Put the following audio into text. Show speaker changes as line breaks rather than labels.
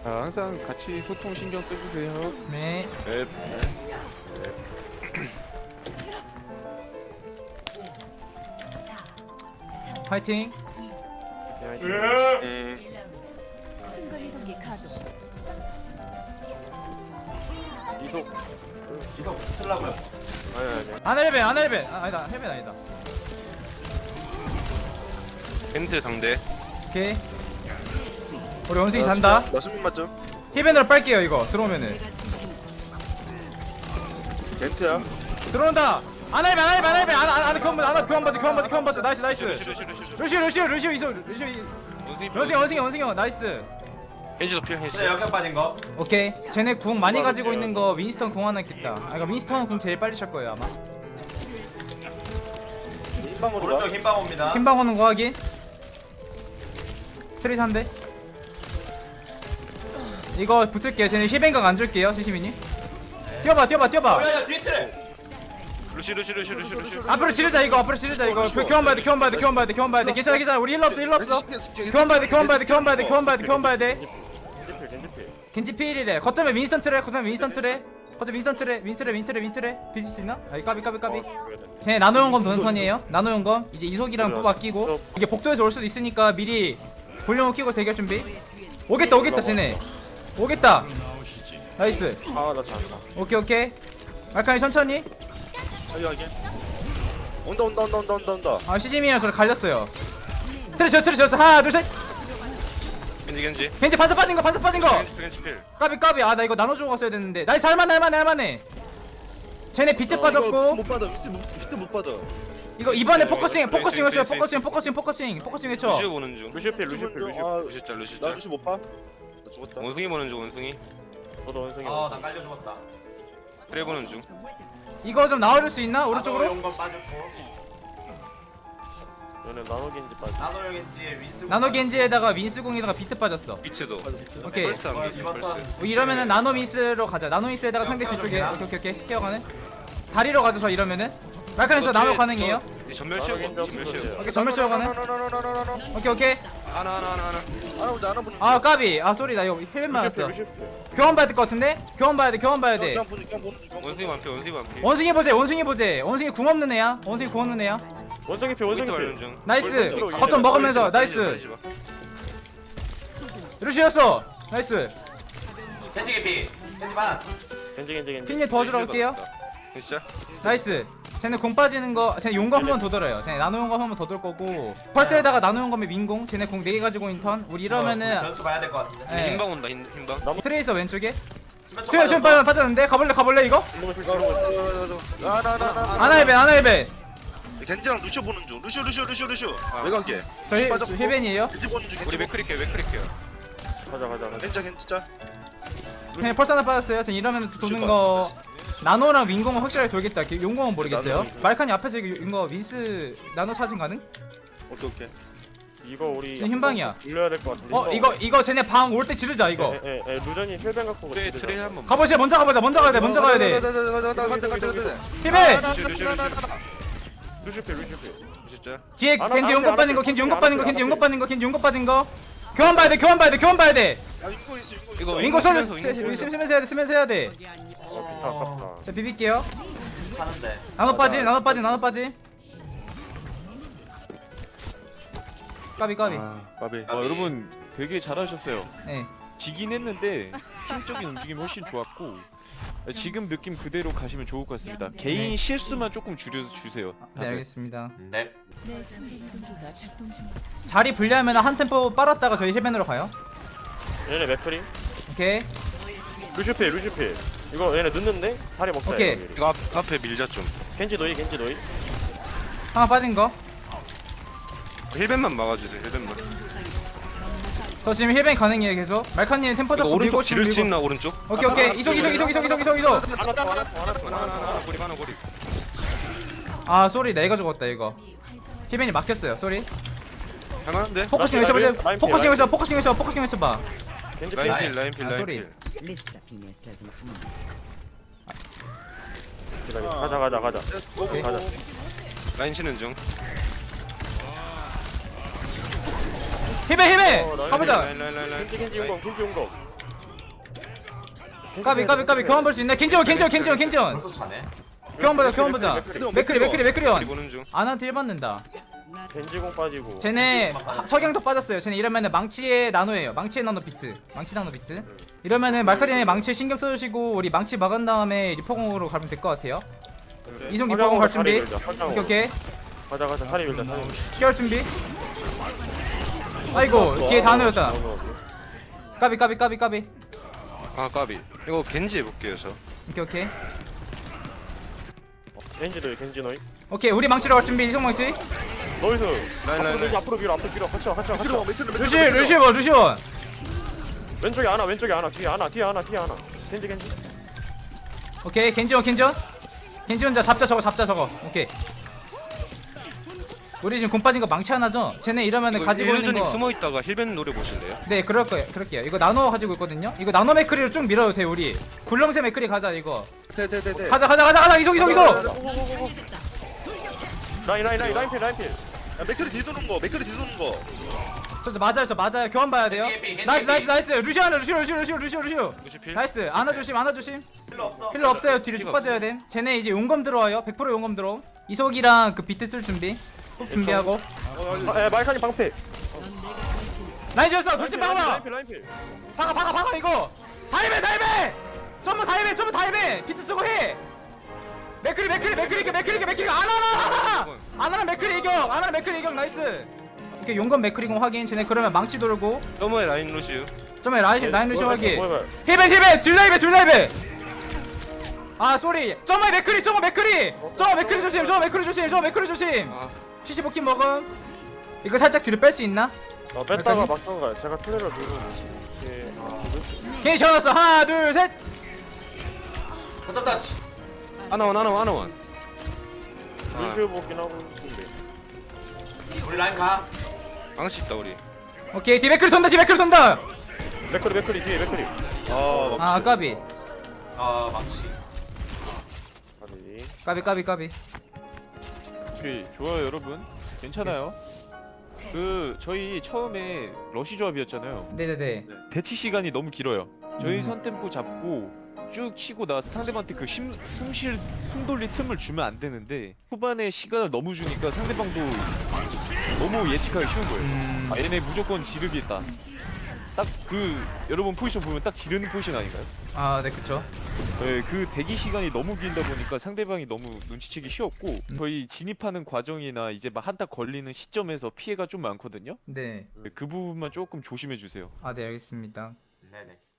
항상 같이 소통 신경 써주세요.
네.
네.
파이팅.
순간이동기 가동.
이속 틀라고요.
아니.
아나레벤 아나레벤 아니다 헬벤 아니다.
겐트 상대.
오케이. 우리 원숭이 잔다.
나 수면 맞죠?
힐벤으로 빨게요 이거 들어오면은.
겐트야.
들어온다. 아나레벤 아나레벤 아나레벤 아나 교환받아 나이스 나이스. 루시오 이소 루시오 원숭이 형 나이스.
겐지도 필 겐지.
근데 역경 빠진 거.
오케이. 쟤네 궁 많이 가지고 있는 거 윈스턴 궁 하나 있겠다. 아 이거 윈스턴 궁 제일 빨리 찰 거예요 아마.
흰방으로 가.
오른쪽 흰방 옵니다.
흰방 오는 거 확인. 트레이스 한 대. 이거 붙을게요. 쟤네 힐뱅각 안 줄게요 시시민이. 뛰어봐.
야야 뒤에 트레.
루시.
앞으로 지르자 이거. 교환봐야 돼. 괜찮아. 우리 힐러 없어. 교환봐야 돼. 겐지 필이래. 거점에 윈스턴 트레. 비질 수 있나? 아이 까비. 쟤네 나노용검 도는 턴이에요. 나노용검 이제 이속이랑 또 바뀌고 이게 복도에서 올 수도 있으니까 미리 볼륨을 키고 대결 준비. 오겠다 쟤네. 오겠다. 나이스.
아나 잘한다.
오케이. 말칸이 천천히.
온다.
아 시즈미랑 저를 갈렸어요. 트레 하나 둘 셋.
겐지.
겐지 반사 빠진 거.
겐지 필.
까비. 아 나 이거 나눠주고 갔어야 됐는데. 나이스 할만해. 쟤네 비트 빠졌고.
못 받아. 밑에 못 받아.
이거 이번에
네,
포커싱
네,
외쳐.
네,
포커싱 외쳐.
루시 보는 중.
루시오 필.
루시
나 루시 못 봐. 나 죽었다.
원숭이 보는 중 원숭이.
저도 원숭이.
나 깔려 죽었다.
트레 보는 중.
이거 좀 나와줄 수 있나 오른쪽으로?
용건 빠졌고.
얘는 나노겐지 빠지.
나노용인지 윈스.
나노 겐지에다가 윈스궁에다가 비트 빠졌어.
비츠도.
오케이.
펄스 안 비츠 펄스.
이러면은 나노 윈스로 가자. 나노 윈스에다가 상대 뒤쪽에. 오케이. 케어가네. 다리로 가죠 저 이러면은. 말칸이 저 나노 가능해요?
전멸 치우고.
오케이 전멸 씌워가네. 오케이.
하나.
안 보는.
아 까비. 아 쏘리 나 이거 힐 맞았어. 교환 봐야 될 것 같은데? 교환 봐야 돼.
그냥 보는 중.
원숭이 완피.
원숭이 보제. 원숭이 궁 없는 애야.
원숭이 필.
바르는 중.
나이스. 거점 먹으면서 나이스. 루시였어. 나이스.
겐지 개피. 겐지 반.
겐지.
핀님 도와주러 갈게요.
진짜?
나이스. 쟤네 궁 빠지는 거, 쟤네 용검 한 번 더 돌아요. 쟤네 나노 용검 한 번 더 돌 거고. 펄스에다가 나노 용검에 민공. 쟤네 궁 4개 가지고 인턴. 우리 이러면은
변수 봐야 될 것 같은데.
네.
흰방 온다 흰방.
트레이서 왼쪽에.
수면
수연 빠졌는데 가볼래 이거? 아나이벤.
겐지랑 루시오 보는 중. 루시오.
아.
왜 가게?
저희 힐벤이에요.
겐지 보는 중.
우리 맥크리케.
가자.
겐지 진짜.
쟤네 펄스 하나 빠졌어요. 쟤네 이러면 도는 거. 나노랑 윈공은 확실하게 돌겠다. 용공은 모르겠어요. 말칸이 앞에서 이거 윈스 나노 사진 가능?
오케이.
이거 우리
지금 흰방이야.
돌려야 될 것 같은데.
이거 쟤네 방 올 때 지르자 이거.
루전이 혈변 갖고.
트레 한번.
가보자. 먼저 가야 돼. 힐벤.
루시오 필.
진짜?
뒤에
안
겐지
돼,
용검
안
빠진
돼,
거,
안
겐지
돼,
용검
안
빠진
돼,
거, 겐지
안
용검
돼.
빠진 거, 겐지 용검 빠진 거. 교환 봐야 돼.
야 인고 있어.
윈고 쓰면서 해야 돼.
아깝다.
자 비빌게요.
차는데.
나노 빠지. 까비.
까비.
여러분 되게 잘하셨어요.
네.
지긴 했는데 팀적인 움직임이 훨씬 좋았고 지금 느낌 그대로 가시면 좋을 것 같습니다. 개인 실수만 조금 줄여주세요.
네 알겠습니다.
네.
내 순간이동기가 작동 중이다.
자리 분리하면 한 템포 빨았다가 저희 힐벤으로 가요.
얘네 맥크리.
오케이.
루시필. 이거 얘네 늦는데 다리 먹자.
오케이.
이거 앞에 밀자 좀.
겐지 노이.
하나 빠진 거.
힐벤만 막아주세요. 힐벤만.
저 지금 힐벤 가능해요 계속. 말칸님 템포
이거
잡고 밀고
오른쪽 지를 수 있나 오른쪽?
오케이. 이속.
하나 고리.
아 쏘리 내가 죽었다 이거. 힐벤이 막혔어요. 쏘리.
할만한데?
포커싱 외쳐보자. 포커싱 외쳐봐.
겐지
라인
필.
필.
아, 소리.
가자. 가자.
라인 치는 중.
힐벤. 가보자.
라인.
겐지 용검.
까비 교환 볼 수 있네. 겐지원
벌써 차네.
교환 보자 맥크리온
우리 보는 중.
아나한테 1 받는다.
겐지공 빠지고.
쟤네 석양도 빠졌어요. 쟤네 이러면은 망치의 나노예요. 망치의 나노 비트. 이러면은 말카디네 망치 신경 써주시고 우리 망치 막은 다음에 리퍼공으로 가면 될 것 같아요. 이송 리퍼공 갈 준비. 오케이.
가자 사리 밀자 사리.
피할 준비. 아이고 뒤에 다 놓였다. 까비.
아 까비. 이거 겐지 해볼게요 저.
오케이.
겐지들 겐지 너희.
오케이 우리 망치로 갈 준비. 이송 망치.
너희들
라인.
앞으로 밀어 같이 와.
루시온.
왼쪽에 하나 뒤에 하나. 겐지.
오케이 겐지 혼자 잡자 저거. 오케이. 우리 지금 공 빠진 거 망치 하나죠? 쟤네 이러면은 가지고 있는
님
거.
숨어 있다가 힐벤 노래 보실래요?
네 그럴게요. 이거 나눠 가지고 있거든요. 이거 나눠 맥크리로 쭉 밀어도 돼 우리. 굴렁쇠 맥크리 가자 이거.
대대대대.
가자 이속.
라인 필.
야 맥클이 뒤도는 거.
저 맞아요. 교환 봐야 돼요. 나이스. 루시오.
루시필.
나이스. 안아 조심.
필요 없어.
필요 없어요. 뒤로 쭉 빠져야 돼. 쟤네 이제 용검 들어와요. 100% 용검 들어. 이속이랑 그 비트 쓸 준비. ปุ๊ 준비하고.
말칸이 방패.
라인 지었어. 돌진 박아.
라인 필.
박아 이거. 다이베. 전부 다이베. 비트 쓰고 해. 맥크리 아나랑 맥크리 이겨. 나이스. 오케이 용검 맥크리공 확인. 쟤네 그러면 망치 돌고.
너머에 라인 루시우.
점에 라인 루시 확인.
뭐야.
힐벤 둘라이베. 아 쏘리. 점에 맥크리. 저거 맥크리 조심.
아
75킬 먹음. 이거 살짝 뒤로 뺄 수 있나?
뺐다가 막던가. 제가 트레를 들고.
괜히 셔놨어. 하나 둘 셋.
거점 터치.
하나원.
루시오 보긴 하고 있는데.
우리 라인 가.
방식 있다 우리.
오케이 뒤 맥크리 돈다.
맥크리 뒤에 맥크리.
아 까비.
망치.
아니.
까비.
오케이 좋아요 여러분. 괜찮아요. 저희 처음에 러시 조합이었잖아요.
네네네.
대치 시간이 너무 길어요. 저희 선 템포 잡고 쭉 치고 나서 상대방한테 그 숨 돌릴 틈을 주면 안 되는데 후반에 시간을 너무 주니까 상대방도 너무 예측하기 쉬운 거예요. 아 얘네 무조건 지르겠다. 딱 여러분 포지션 보면 딱 지르는 포지션 아닌가요?
아 네 그쵸.
네, 그 대기 시간이 너무 길다 보니까 상대방이 너무 눈치채기 쉬웠고 저희 진입하는 과정이나 이제 막 한타 걸리는 시점에서 피해가 좀 많거든요.
네.
그 부분만 조금 조심해 주세요.
아 네 알겠습니다.
네네.